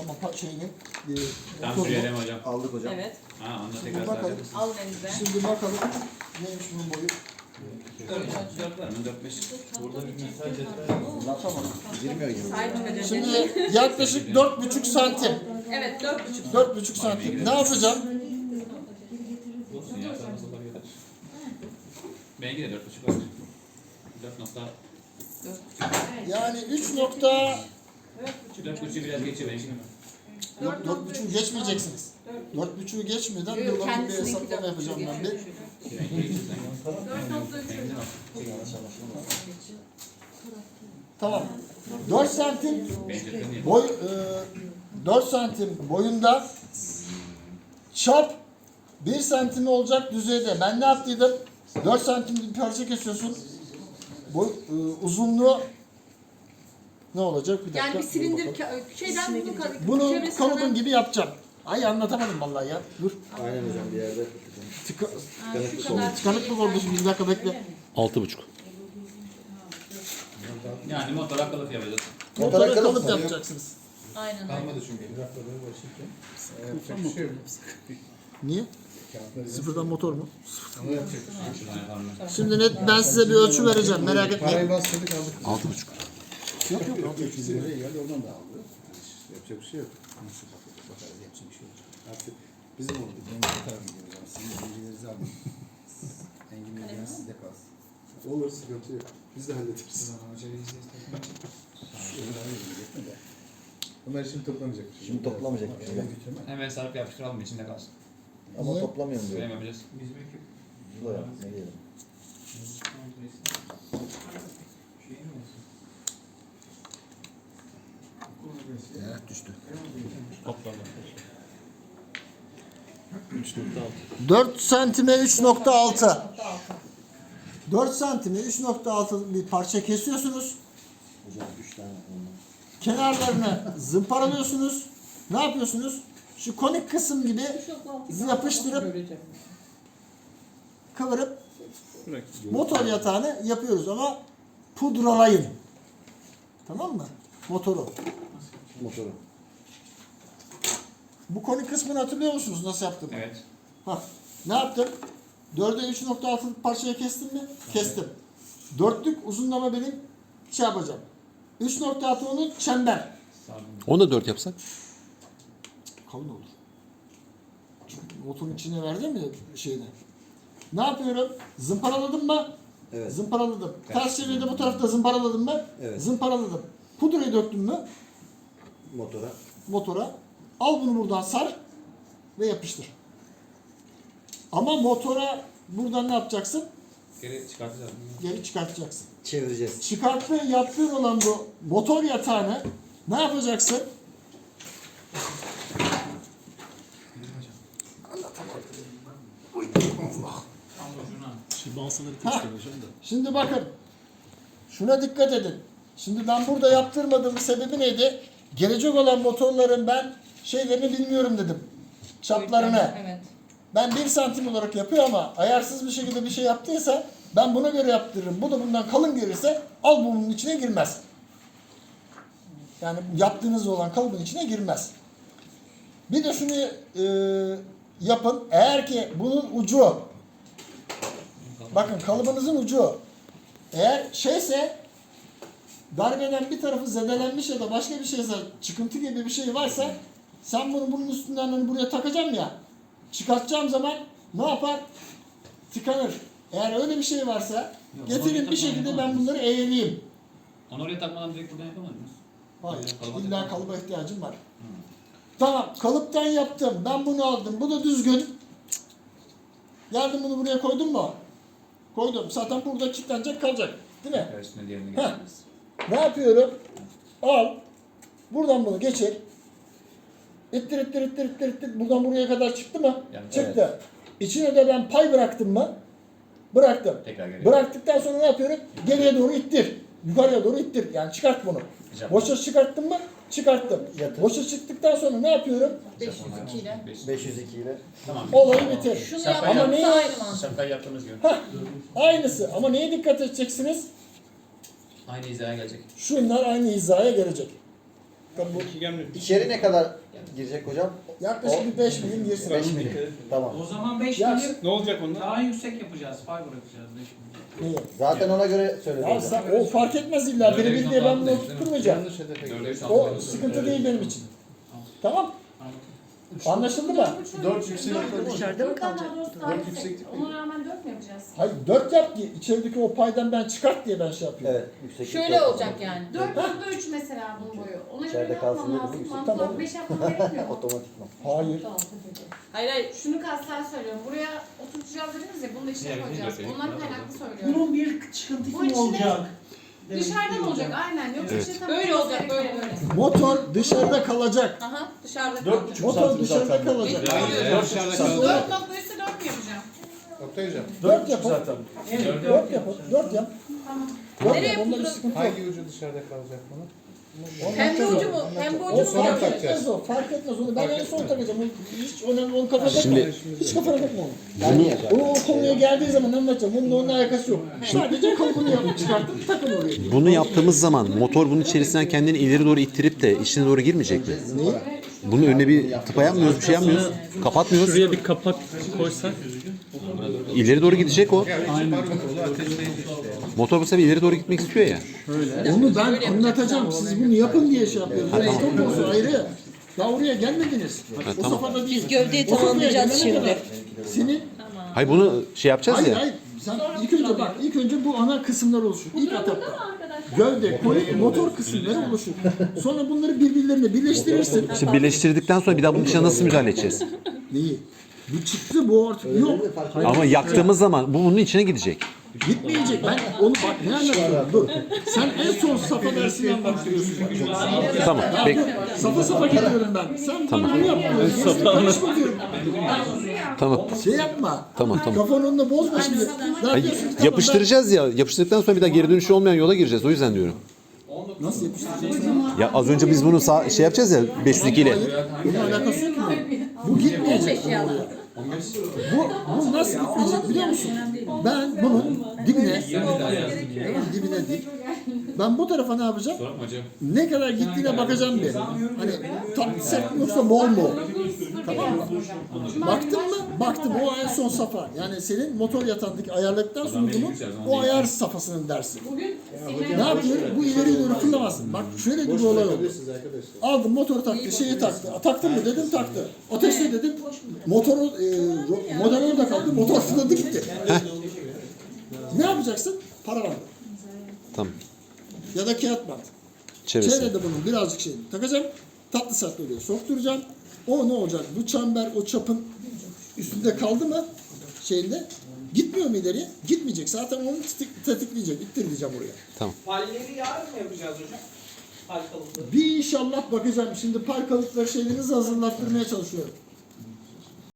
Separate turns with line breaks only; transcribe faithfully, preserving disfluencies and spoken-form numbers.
Tamam şeyini.
Tam söyleyelim hocam.
Aldık hocam.
Evet.
Ha onu da
Şimdi
tekrar
bakalım.
saracağız.
Al elinize.
Şimdi bakalım neymiş bunun boyu.
dört var mı? dört beş.
Burada bir mesaj etler.
Tamam.
Girmiyor gibi.
Saydım hocam.
Şimdi yaklaşık dört buçuk santim.
Evet dört buçuk.
Dört buçuk santim. Ne yapacağım?
Olsun ya sarması olabilir. Benimki de dört buçuk var. dört nokta.
Yani üç nokta
dört buçuğu biraz geçiyor benimki.
yok dört buçuğu geçmeyeceksiniz. Dört buçuğu geçmeden bir
Yok,
bakın bir
kendisininki
hesaplama
dört buçuk
yapacağım ben bir.
dört nokta üç.
Tamam. dört santim
Benimki
boy e, dört santim boyunda çap bir santim olacak düzeyde. Ben ne yaptıydım? dört santim bir parça kesiyorsun. Boy e, uzunluğu ne olacak? Bir dakika.
Yani bir
dur
silindir
bakalım.
ka- şeyden bunu ka-
Bunu
çevresine
kalıbın
ben-
gibi yapacağım. Ay anlatamadım vallahi ya. Dur.
Aynen hocam bir yerde.
Tıka,
Ha, şu kadar
tıkanık mı oldu şimdi? Bir dakika bekle.
Altı buçuk.
Yani motor akıllı yapacağız.
Motora
Motora
kalıp
kalıp
yapacaksınız.
Aynen.
Kalmadı çünkü. Bir hafta böyle başlayacağım. Yapacak bir şey yok.
Niye?
Kağıtları
Sıfırdan motor mu?
Ama yapacak bir şey yok.
Şuradan yapalım.
Şimdi net ben size bir ölçü vereceğim. Merak etmeyin.
Parayı bastırdık aldık.
Altı buçuk.
Yok yok. yok.
Bizim oraya geldi oradan da aldı. Yapacak bir şey yok. Nasıl bakacak? Bakarız yapacak bir şey yok. Artık bizim oldu. Engin bakarım diyoruz ama sizin bilgilerinizi alın. Engin bilgileriniz sizde kalsın. Olur sıkıntı yok. Biz de hallederiz. Bunlar şimdi toplamayacak bir şey.
Şimdi toplamayacak bir şey yok.
Hemen sarıp yapıştıralım içinde kalsın.
Ama
Niye?
toplamıyorum diyor.
Böyle mi yapacağız?
Şurada yap. Ne diyelim.
Evet düştü.
Toplamda.
dört santime üç nokta altı. dört santime üç nokta altı bir parça kesiyorsunuz.
Hocam üç tane ondan.
Kenarlarını zımparalıyorsunuz. Ne yapıyorsunuz? Şu konik kısım gibi yapıştırıp kıvırıp motor yatağını yapıyoruz ama pudralayın. Tamam mı? Motoru.
Motoru.
Bu konik kısmını hatırlıyor musunuz nasıl yaptım?
Evet.
Bak ne yaptım? dörde üç nokta altılık parçayı kestim mi? Kestim. Dörtlük uzunlama benim şey yapacağım. üç nokta altı onun çember.
Onu da dört yapsak.
Kalın olur. Çünkü motorun içine verdim mi şeyde? Ne yapıyorum? Zımparaladım mı?
Evet.
Zımparaladım. Ters çeviride bu tarafta zımparaladım mı?
Evet.
Zımparaladım. Pudrayı döktüm mü?
Motora.
Motora. Al bunu buradan sar ve yapıştır. Ama motora buradan ne yapacaksın?
Geri çıkartacağız.
Geri çıkartacaksın.
Çevireceğiz.
Çıkarttığın, yaptığın olan bu motor yatağını ne yapacaksın? Hah, şimdi bakın. Şuna dikkat edin. Şimdi ben burada yaptırmadığım sebebi neydi? Gelecek olan motorların ben şeylerini bilmiyorum dedim. Çaplarını.
Evet.
Ben bir santim olarak yapıyor ama ayarsız bir şekilde bir şey yaptıysa ben buna göre yaptırırım. Bu da bundan kalın gelirse al bunun içine girmez. Yani yaptığınız olan kalıbın içine girmez. Bir de şunu e, yapın. Eğer ki bunun ucu, bakın kalıbınızın ucu eğer şeyse, darbeden bir tarafı zedelenmiş ya da başka bir şeyse, çıkıntı gibi bir şey varsa sen bunu bunun üstünden hani buraya takacağım ya, çıkartacağım zaman ne yapar? Tıkanır. Eğer öyle bir şey varsa
Yok,
getirin
onu
bir şekilde
takmadan
ben bunları eğeleyeyim.
Onu oraya takmadan direkt buradan yapamaz mıyız?
Hayır.
Kalıba
İlla
takmam.
kalıba ihtiyacım var. Tamam. Kalıptan yaptım. Ben bunu aldım. Bu da düzgün. Geldim bunu buraya koydum mu? Koydum. Zaten burada kilitlenecek kalacak. Değil mi?
Evet, üstüne diğerini
Heh.
geçeceğiz.
Ne yapıyorum? Al. Buradan bunu geçir. İttir ittir ittir ittir ittir. Buradan buraya kadar çıktı mı?
Yani
Çıktı. İçine de ben pay bıraktım mı? Bıraktım.
Tekrar geri.
Bıraktıktan sonra ne yapıyorum? Geriye doğru ittir. Yukarıya doğru ittir. Yani çıkart bunu.
Güzel.
Boşa çıkarttın mı? Çıkarttım.
Yatır.
Boşa çıktıktan sonra ne yapıyorum?
beş yüz iki ile.
beş yüz iki ile.
Tamam.
Olayı bitir.
Şunu
Şaka
Ama
yapmamız
neyi-
aynı mantık.
Şakayı yaptığımız gibi.
Hah, aynısı. Ama neye dikkat edeceksiniz?
Aynı hizaya gelecek.
Şunlar aynı hizaya gelecek. Tabii bu
İçeri ne kadar girecek hocam?
yaklaşık bir beş milim girsin.
beş milim. Tamam.
O zaman beş
Ya
milim
Ne olacak onlar?
daha yüksek yapacağız. Fay bırakacağız beş milim.
Neyi?
Zaten ona göre söyledim.
Ya sen, o fark etmez illa. Biri bir diye ben bunu tutturmayacağım.
Yanlış hedefe
Dörde
gidiyor.
üç
O
altı.
sıkıntı değil benim için. Tamam. Anlaşıldı mı?
Dört yükseklik.
Dışarıda mı kalacak?
Dört yükseklik.
Ona rağmen dört mü yapacağız?
Hayır dört yap ki içerideki o paydan ben çıkart diye ben şey yapıyorum.
Evet. Yükseklik
Şöyle
yok.
olacak yani.
Dört nokta üç mesela bunun boyu. Ona göre
İçeride
ne
kalsın
yapmam
dedim,
lazım?
yüksek.
Mantıklı
Tamam.
olarak beş yapmam gerekmiyor mu?
Otomatikman.
Hayır.
Tamam, peki.
Hayır hayır.
Şunu kastan söylüyorum. Buraya oturtacağız dediniz ya, bunu da içine
Diğer
koyacağız.
bizim
Ondan
dört
kaynaklı söylüyorum.
Bunun bir çıkıntısı
Bu
mı
içine-
olacak?
Dışarıdan olacak aynen. Yoksa
Evet.
işte tam
Böyle olacak, böyle, böyle.
Motor dışarıda kalacak.
Aha dışarıda
Dört
kalacak.
buçuk
Motor
santim
dışarıda
zaten.
kalacak.
Yani dört dışarıda kalacak.
Dört nokta üçse dört mü yapacağım?
Oktay hocam.
Dört yapın.
zaten.
Evet.
Dört yapın. Dört yap.
Tamam.
Dört
Nereye
yap. Onda bir
yapılır?
sıkıntı yok.
Hangi ucu dışarıda kalacak bunun?
Pembe ucu mu? Pembe
O
ucu mu?
sonra
fark
takacağız.
etmez o. Fark etmez onu. Ben en son takacağım. O hiç önemli. Onu kafana takma.
Şimdi-
Hiç kafana takma onu.
Yani
O, o konuya geldiği zaman anlatacağım. Bunun onunla alakası yok. Sadece kalıbını yapıp çıkartıp takın oraya.
Bunu yaptığımız zaman motor bunun içerisinden kendini ileri doğru ittirip de içine doğru girmeyecek mi? Bunun önüne bir tıpa yapmıyoruz, bir şey yapmıyoruz. Kapatmıyoruz.
Şuraya bir kapak koysak.
İleri doğru gidecek o.
Aynen. Kolu ateşleyici işte.
Motor bu sefer ileri doğru gitmek istiyor ya.
Onu ben anlatacağım. Siz bunu yapın diye şey yapıyoruz. Yani stop olsun ayrı. Daha oraya gelmediniz. O
tamam.
safhada değil.
gövdeyi
O safhaya
tamamlayacağız
gelene
şimdi.
kadar Senin
Hayır bunu şey yapacağız
hayır
ya.
hayır. Sen ilk önce bak, ilk önce bu ana kısımlar oluşur. İlk etapta. Gövde, koli, motor kısımları oluşur. Sonra bunları birbirlerine birleştirirsin.
İşte birleştirdikten sonra bir daha bunun içine nasıl müdahale edeceğiz?
Neyi? Bu çıktı, bu artık yok.
Ama yaktığımız zaman bu bunun içine gidecek.
Gitmeyecek. Ben onu bak ne anlatıyorum? Dur. Sen en son safa dersinden başlıyorsun.
Tamam. Peki.
Safa safa gidiyorum ben. Sen
Tamam.
bunu yapmıyorsun. Safa karışma diyorum.
Tamam.
Şey yapma.
Tamam, tamam.
Kafanı onunla bozma şimdi. Ne
Hayır,
yapıyorsun? Tamam,
yapıştıracağız ya. Yapıştırdıktan sonra bir daha geri dönüşü olmayan yola gireceğiz. O yüzden diyorum.
ben- Nasıl yapıştıracaksın?
Ya az önce biz bunu sağ, şey yapacağız ya beş yüz iki ile.
Hayır, bunun alakası yok ki. Bu gitmeyecek. Bu, bu nasıl gitmeyecek biliyor musun? Ben bunun dibine, tamam, dibine değil. Ben bu tarafa ne yapacağım?
Sorun mu hocam?
Ne kadar gittiğine bakacağım bir. Hani tam sert mi yoksa bol mu? Tamam mı? Baktın mı? Baktım. O en son safa. Yani senin motor yatağındaki ayarladıktan sonra bunu o ayar safhasının dersi.
Bugün
Ne yapıyor? Bu ileri doğru fırlamasın. Bak şöyle bir olay oldu. Aldım motor taktı, şeyi taktı. Taktın mı dedim taktı. Ateşle dedim. Motoru, e, ro- model orada kaldı. Motor fırladı gitti. Ne yapacaksın? Para var.
Tamam.
Ya da kağıt bant.
Çevresi.
Çevrede bunun birazcık şey takacağım. Tatlı satlı oraya sokturacağım. O ne olacak? Bu çember o çapın üstünde kaldı mı şeyinde gitmiyor mu ileriye? Gitmeyecek. Zaten onu tetik, tetikleyecek. İttireceğim oraya.
Palleri yarın mı yapacağız hocam? Pal kalıpları.
Bir inşallah bakacağım. Şimdi parkalıkları şeylerinizi hazırlattırmaya çalışıyorum.